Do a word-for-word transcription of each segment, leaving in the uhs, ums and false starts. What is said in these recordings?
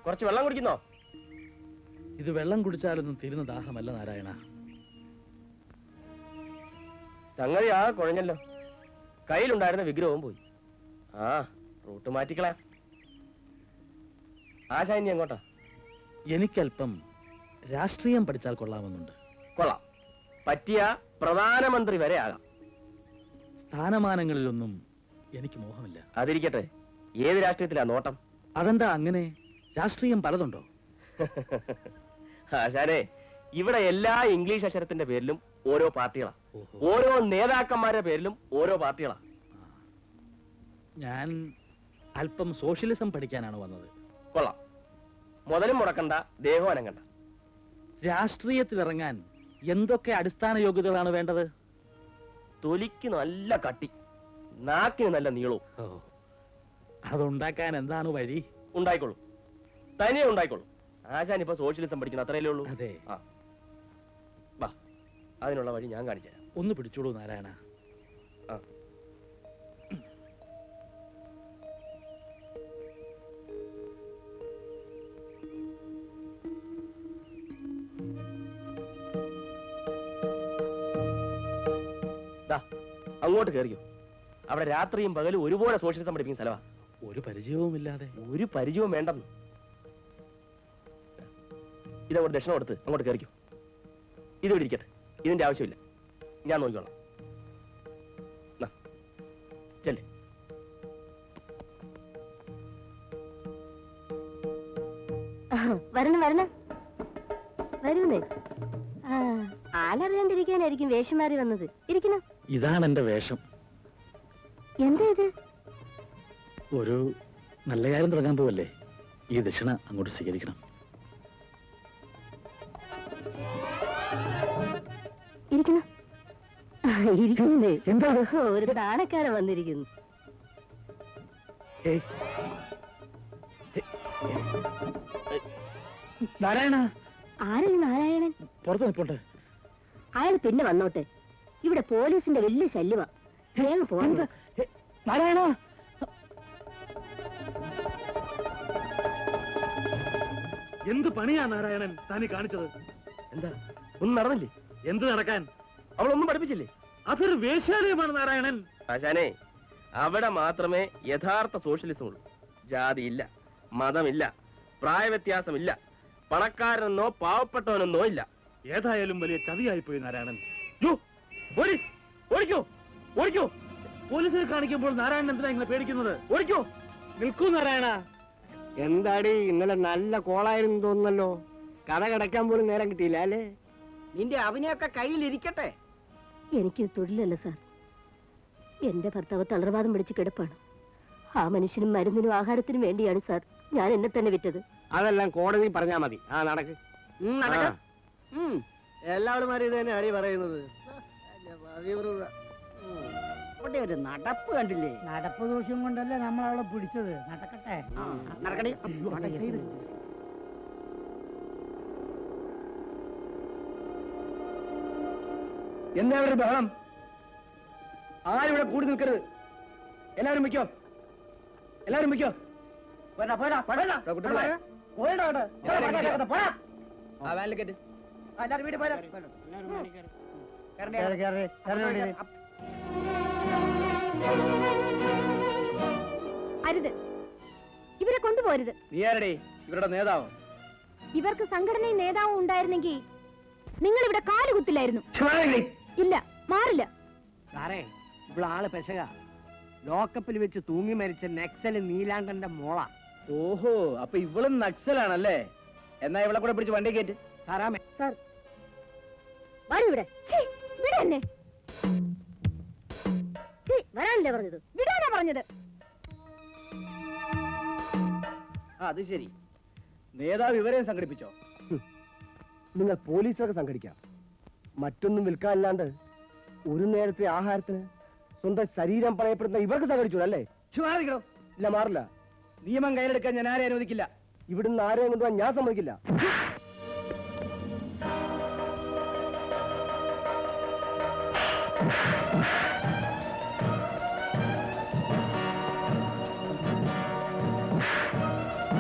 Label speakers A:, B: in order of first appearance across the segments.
A: കുറച്ച് വെള്ളം കുടിക്കുന്നോ?
B: ഇത് വെള്ളം കുടിച്ചാലൊന്നും തീരുന്ന ദാഹമല്ല നാരായണ.
A: സംഗതി ആ കുഴഞ്ഞല്ലോ. കയ്യിലുണ്ടായിരുന്ന വിഗ്രഹവും പോയി. ആ റൂട്ട് മാറ്റിക്കളയാം. ആശാ ഇനി എങ്ങോട്ടാ?
B: എനിക്കല്പം രാഷ്ട്രീയം പഠിച്ചാൽ കൊള്ളാമെന്നുണ്ട്.
A: കൊള്ളാം. പറ്റിയ പ്രധാനമന്ത്രി വരെ ആകാം.
B: സ്ഥാനമാനങ്ങളിലൊന്നും എനിക്ക് മോഹമില്ല.
A: അതിരിക്കട്ടെ, ഏത് രാഷ്ട്രീയത്തിലാ നോട്ടം?
B: അതെന്താ അങ്ങനെ? രാഷ്ട്രീയം പലതുണ്ടോ?
A: ആശാനെ, ഇവിടെ എല്ലാ ഇംഗ്ലീഷ് അക്ഷരത്തിന്റെ പേരിലും ഓരോ പാർട്ടികളാ. ഓരോ നേതാക്കന്മാരുടെ പേരിലും ഓരോ പാർട്ടികളാ.
B: ഞാൻ അല്പം സോഷ്യലിസം പഠിക്കാനാണ് വന്നത്.
A: കൊള്ളാം. മുതലും മുടക്കണ്ട, ദേഹം അനങ്ങണ്ട.
B: രാഷ്ട്രീയത്തിലിറങ്ങാൻ എന്തൊക്കെ അടിസ്ഥാന യോഗ്യതകളാണ് വേണ്ടത്?
A: തൊലിക്ക് നല്ല കട്ടി, നാക്കിന് നല്ല നീളവും.
B: അതുണ്ടാക്കാൻ എന്താണ് വഴി?
A: ഉണ്ടായിക്കോളൂ, തനിയെ ഉണ്ടായിക്കോളൂ. ആശാൻ ഇപ്പൊ സോഷ്യലിസം പഠിക്കണം, അത്രയല്ലേ ഉള്ളൂ.
B: അതെ.
A: ആ വാ, അതിനുള്ള വഴി ഞാൻ കാണിച്ചു തരാം.
B: ഒന്ന് പിടിച്ചോളൂ നാരായണ.
A: ആ അങ്ങോട്ട് കയറിയോ. അവിടെ രാത്രിയും പകലും ഒരുപോലെ സോഷ്യലിസം പഠിപ്പിക്കുന്ന സ്ഥലമാ.
B: ഒരു പരിചയവും ഇല്ലാതെ.
A: ഒരു പരിചയവും വേണ്ടെന്ന്. ഇതങ്ങോട്ട് ദക്ഷിണ കൊടുത്ത് അങ്ങോട്ട് കയറിക്കോ. ഇതിവിടെ ഇരിക്കട്ടെ, ഇതിന്റെ ആവശ്യമില്ല, ഞാൻ നോക്കിക്കോളാം. ചെല്ലേ.
C: വരണം വരണം വരൂന്നേ. ആളറിയാണ്ടിരിക്കാനായിരിക്കും വേഷം മാറി വന്നത്. ഇരിക്കണം.
B: ഇതാണ് എന്റെ വേഷം.
C: എന്താ ഇത്?
B: ഒരു നല്ല കാര്യം തുടങ്ങാൻ പോവല്ലേ, ഈ ദക്ഷിണ അങ്ങോട്ട് സ്വീകരിക്കണം.
C: ഇരിക്കണം. ഇരിക്കുന്നേ. എന്താ? ഒരു താണക്കാരൻ വന്നിരിക്കുന്നു.
B: നാരായണ.
C: ആരാണ് നാരായണൻ?
B: പുറത്ത് നിൽപ്പുണ്ട്.
C: അയാൾ പിന്നെ വന്നോട്ടെ. ഇവിടെ പോലീസിന്റെ വലിയ ശല്യമാ. വേഗം പോകണ്ട.
B: നാരായണ. എന്ത് പണിയാ നാരായണൻ താനി കാണിച്ചത്?
A: എന്താ, ഒന്നും നടന്നില്ലേ?
B: എന്ത് നടക്കാൻ?
A: അവളൊന്നും പഠിപ്പിച്ചില്ലേ?
B: അതൊരു വേശ്യാലയമാണ് നാരായണൻ.
A: ആശാനെ, അവിടെ മാത്രമേ യഥാർത്ഥ സോഷ്യലിസം ഉള്ളൂ. ജാതിയില്ല, മതമില്ല, പ്രായവ്യത്യാസമില്ല, പണക്കാരനെന്നോ പാവപ്പെട്ടവനെന്നോ ഇല്ല.
B: ഏതായാലും വലിയ ചതിയായിപ്പോയി നാരായണൻ.
A: ഓടിക്കോ ഓടിക്കോ.
B: പോലീസിനെ കാണിക്കുമ്പോൾ നാരായണൻ എന്തിനാ ഇങ്ങനെ പേടിക്കുന്നത്?
A: ഓടിക്കോ.
B: നിൽക്കൂ നാരായണ.
D: എന്താടി, ഇന്നലെ നല്ല കോളായിരുന്നു തോന്നുന്നല്ലോ. കട കിടക്കാൻ പോലും നേരം കിട്ടിയില്ല അല്ലേ?
E: നിന്റെ അവനെയൊക്കെ കയ്യിലിരിക്കട്ടെ.
C: എനിക്ക് തൊഴിലല്ല സാർ. എന്റെ ഭർത്താവ് തളർവാദം പിടിച്ച് കിടപ്പാണ്. ആ മനുഷ്യനും മരുന്നിനും ആഹാരത്തിനും വേണ്ടിയാണ് സാർ ഞാൻ എന്നെ തന്നെ വിറ്റത്.
D: അതെല്ലാം കോടതി പറഞ്ഞാ മതി. ആ നടക്ക്.
E: എല്ലാവരും ഇത് തന്നെ അടി പറയുന്നത്. അവിടെ ഒരു നടപ്പ് കണ്ടില്ലേ?
F: നടപ്പ് ദോഷം കൊണ്ടല്ലേ നമ്മൾ അവളെ പിടിച്ചത്. നടക്കട്ടെ.
E: നടക്കണേ.
D: എന്താ ഒരു ബഹളം? ആരും ഇവിടെ കൂടി നിൽക്കരുത്. എല്ലാവരും വയ്ക്കോ, എല്ലാവരും വയ്ക്കോ.
C: അരുത്, ഇവരെ കൊണ്ടുപോരുത്.
D: നീയാരടേ ഇവരുടെ നേതാവ്?
C: ഇവർക്ക് സംഘടനയും നേതാവും ഉണ്ടായിരുന്നെങ്കിൽ നിങ്ങൾ ഇവിടെ കാലുകുത്തില്ലായിരുന്നു. ഇല്ല, മാറില്ല.
D: സാറേ, ഇവിടെ ആള് പെശക. ലോക്കപ്പിൽ വെച്ച് തൂങ്ങി മരിച്ച നക്സല് നീലാണ്ടന്റെ മോള.
A: ഓഹോ, അപ്പൊ ഇവളും നക്സലാണല്ലേ? എന്നാ ഇവളെ കൂടെ പിടിച്ച് വണ്ടി കയറ്റ്.
D: സാറാമേ.
C: സാർ വരൂ ഇവിടെ. ഇവിടെ തന്നെ വരാനല്ലേ പറഞ്ഞത്? വിടാനാ പറഞ്ഞത്.
A: അത് ശരി, നേതാവ് ഇവരെയും സംഘടിപ്പിച്ചോ?
D: നിങ്ങൾ പോലീസൊക്കെ സംഘടിക്കാം. മറ്റൊന്നും വിൽക്കാനില്ലാണ്ട് ഒരു നേരത്തെ ആഹാരത്തിന് സ്വന്തം ശരീരം പറയപ്പെടുന്ന ഇവർക്ക് സംഘടിച്ചു അല്ലേ?
A: ചുമ്മാതിക്കണോ?
D: ഇല്ല, മാറില്ല.
A: നിയമം കയ്യിലെടുക്കാൻ ഞാൻ ആരെയും അനുവദിക്കില്ല.
D: ഇവിടുന്ന് ആരെയും കൊണ്ടുപോകാൻ ഞാൻ സമ്മതിക്കില്ല.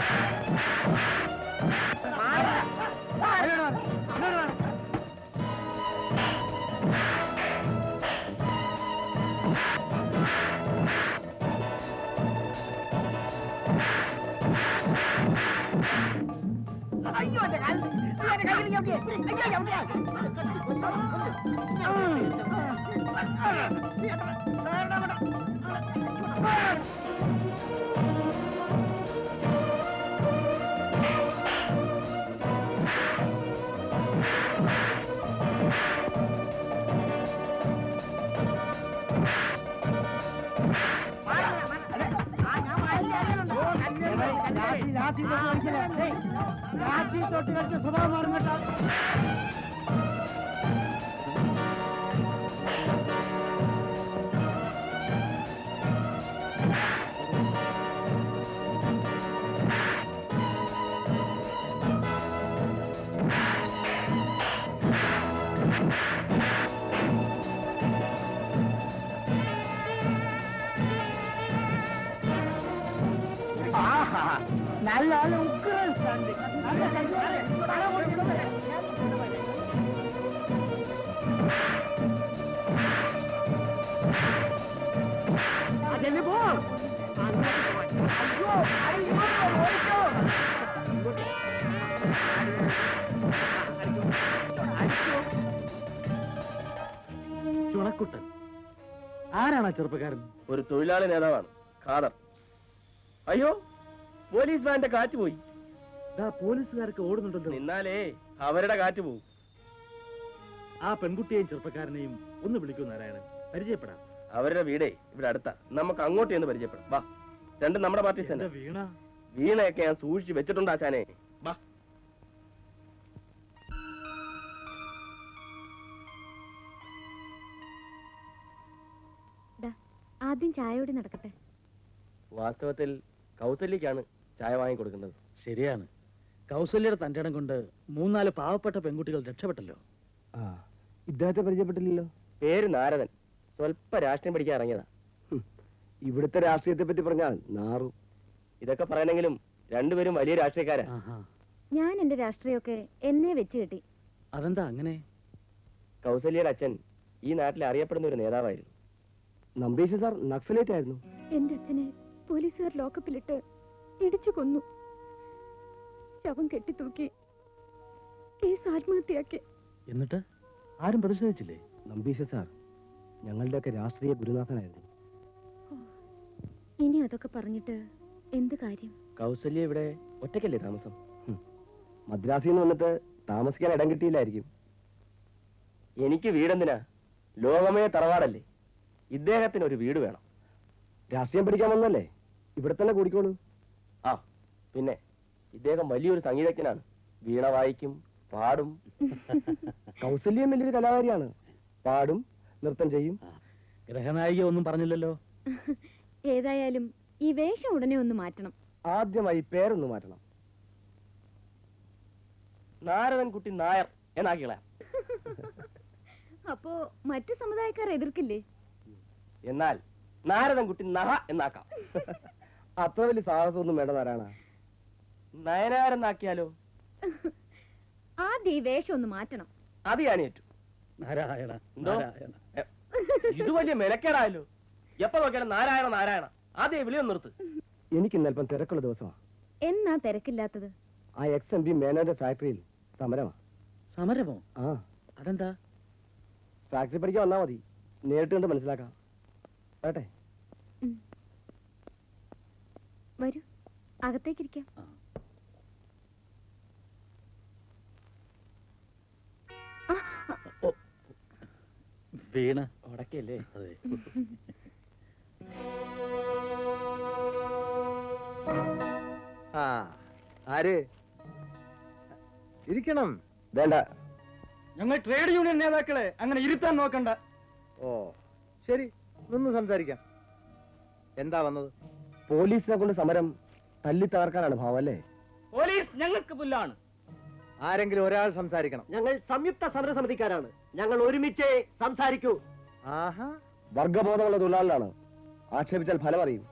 E: അയ്യോ എന്റെ കാലിൽ എന്റെ കാലിൽ ചവിട്ടിയേ. അയ്യോ രാത്രി തൊട്ട് കളിച്ച സ്വഭാവം മാറും കേട്ടോ. നല്ല നല്ല ഉഗ്രൻ stand. നല്ല കല്യാണം. പണം കൊടുക്കുന്നത്. അതെന്നെ പോ. അയ്യോ അയ്യോ ഓടിക്കോ.
B: ചുണക്കുട്ടൻ ആരാണ് ആ ചെറുപ്പക്കാരൻ?
A: ഒരു തൊഴിലാളി നേതാവാണ് ഖാദർ. അയ്യോ പോലീസ് വാന്റെ കാറ്റ് പോയി.
B: ദാ പോലീസുകാരൊക്കെ ഓടുന്നുണ്ടല്ലോ.
A: നിന്നാലേ അവരുടെ കാറ്റ് പോകും.
B: ആ പെൺകുട്ടിയെയും ചെറുപ്പക്കാരനെയും ഒന്ന് വിളിക്കൂ നാരായണൻ, പരിചയപ്പെടാം.
A: അവരുടെ വീടേ ഇവിടെ അടുത്താ. നമുക്ക് അങ്ങോട്ട് ചെന്ന് പരിചയപ്പെടാം. വാ, രണ്ടും നമ്മുടെ പാർട്ടി തന്നെ.
B: വീണ
A: വീണയൊക്കെ ഞാൻ സൂക്ഷിച്ച് വെച്ചിട്ടുണ്ട് ആശാനെ. വാ.
C: ആദ്യം ചായയോടെ നടക്കട്ടെ.
A: വാസ്തവത്തിൽ കൗസല്യക്കാണ് ചായ വാങ്ങി കൊടുക്കുന്നത്.
B: ശരിയാണ്. കൗസല്യയുടെ തന്റെടം കൊണ്ട് മൂന്നാല് പാവപ്പെട്ട പെൺകുട്ടികൾ രക്ഷപ്പെട്ടല്ലോ.
D: ആ ഇദ്ദേഹത്തെ പരിചയപ്പെട്ടില്ലല്ലോ.
A: പേര് നാരദൻ. സ്വല്പ രാഷ്ട്രീയം പഠിക്കാൻ ഇറങ്ങിയതാ.
D: ഇവിടുത്തെ രാഷ്ട്രീയത്തെ പറ്റി പറഞ്ഞാൽ നാറും.
A: ഇതൊക്കെ പറയണെങ്കിലും രണ്ടുപേരും വലിയ രാഷ്ട്രീയക്കാരാ.
B: ആഹാ.
C: ഞാൻ എന്റെ രാഷ്ട്രീയമൊക്കെ എന്നെ വെച്ച് കെട്ടി.
B: അതെന്താ അങ്ങനെ?
A: കൗസല്യയുടെ അച്ഛൻ ഈ നാട്ടിൽ അറിയപ്പെടുന്ന ഒരു നേതാവായിരുന്നു.
D: നമ്പീശ സാർ നക്സലേറ്റ് ആയിരുന്നു.
C: എന്റെ അച്ഛനെ പോലീസുകാർ ലോക്കപ്പിലിട്ട് ഇടിച്ചു കൊന്നു. ശവം കെട്ടിത്തൂക്കി കേസ് ആത്മഹത്യയാക്കി.
B: എന്നിട്ട് ആരും പ്രതിഷേധിച്ചില്ലേ?
D: നമ്പീശ സാർ ഞങ്ങളുടെയൊക്കെ രാഷ്ട്രീയ ഗുരുനാഥനായിരുന്നു.
C: ഇനി അതൊക്കെ പറഞ്ഞിട്ട് എന്ത് കാര്യം?
A: കൗസല്യ ഇവിടെ ഒറ്റയ്ക്കല്ലേ താമസം?
D: മദ്രാസിൽ നിന്ന് വന്നിട്ട് താമസിക്കാൻ ഇടം കിട്ടിയില്ലായിരിക്കും.
A: എനിക്ക് വീടെന്തിനാ? ലോകമേ തറവാടല്ലേ. ഇദ്ദേഹത്തിന് ഒരു വീട് വേണം.
D: രാഷ്ട്രീയം പഠിക്കാൻ വന്നല്ലേ, ഇവിടെ തന്നെ കൂടിക്കോളൂ.
A: ആ പിന്നെ ഇദ്ദേഹം വലിയൊരു സംഗീതജ്ഞനാണ്. വീണ വായിക്കും, പാടും.
D: കൗസല്യം വലിയൊരു കലാകാരിയാണ്. പാടും, നൃത്തം ചെയ്യും.
B: ഗ്രഹനായിക ഒന്നും പറഞ്ഞില്ലല്ലോ.
C: ഏതായാലും ഈ വേഷം ഉടനെ ഒന്ന് മാറ്റണം.
D: ആദ്യമായി പേരൊന്ന് മാറ്റണം.
A: നാരദൻ കുട്ടി നായർ എന്നാക്കിള.
C: അപ്പോ മറ്റു സമുദായക്കാർ എതിർക്കില്ലേ?
A: എന്നാൽ നാരദൻ കുട്ടി നഹ എന്നാക്കാം.
D: അത്ര വലിയ സാഹസമൊന്നും വേണ്ട നാരായണ.
A: നയനാരെന്നാക്കിയാലോ?
C: ആദ്യം ഈ വേഷം ഒന്ന് മാറ്റണം.
A: അത് ഞാൻ ഏറ്റു.
B: നാരായണ
A: എന്തോ?
B: നാരായണ.
A: എ, ഇത് വലിയ മെനക്കേടായല്ലോ. എപ്പോ നോക്കിയാലും നാരായണ നാരായണ. ആദ്യം വിളിയൊന്ന് നിർത്ത്.
D: എനിക്ക് ഇന്നൽപ്പം തിരക്കുള്ള ദിവസമാണ്.
C: എന്നാ തിരക്കില്ലാത്തത്?
D: ആ എക്സ് എം പി മേനോന്റെ ഫാക്ടറിയിൽ സമരമാ.
B: സമരമോ?
D: ആ
B: അതെന്താ?
D: ഫാക്ടറി പഠിക്കാൻ വന്നാ മതി, നേരിട്ട് കണ്ട് മനസ്സിലാക്കാം. കേട്ടെ?
C: ഉം. വരൂ, അകത്തേക്കിരിക്കാം.
B: ആ.
C: ആ, ആ.
B: ഓ, വീണ
A: ഉടക്കല്ലേ?
B: അതെ.
D: ആ ആര് ഇരിക്കണം? വേണ്ട.
E: ഞങ്ങൾ ട്രേഡ് യൂണിയൻ നേതാക്കളെ അങ്ങനെ ഇരുത്താൻ നോക്കണ്ട.
D: ഓ ശരി, നിന്ന് സംസാരിക്കാം. എന്താ വന്നത്? പോലീസിനെ കൊണ്ട് സമരം തല്ലി തകർക്കാനാണ് ഭാവം അല്ലേ?
E: പോലീസ് ഞങ്ങൾക്ക് പുല്ലാണ്.
D: ആരെങ്കിലും ഒരാൾ സംസാരിക്കണം.
E: ഞങ്ങൾ സംയുക്ത സമരസമിതിക്കാരാണ്. ഞങ്ങൾ ഒരുമിച്ച് സംസാരിക്കൂ.
D: ആഹാ, വർഗബോധമുള്ള തൊഴിലാളികളാണ്. ആക്ഷേപിച്ചാൽ ഫലം അറിയും.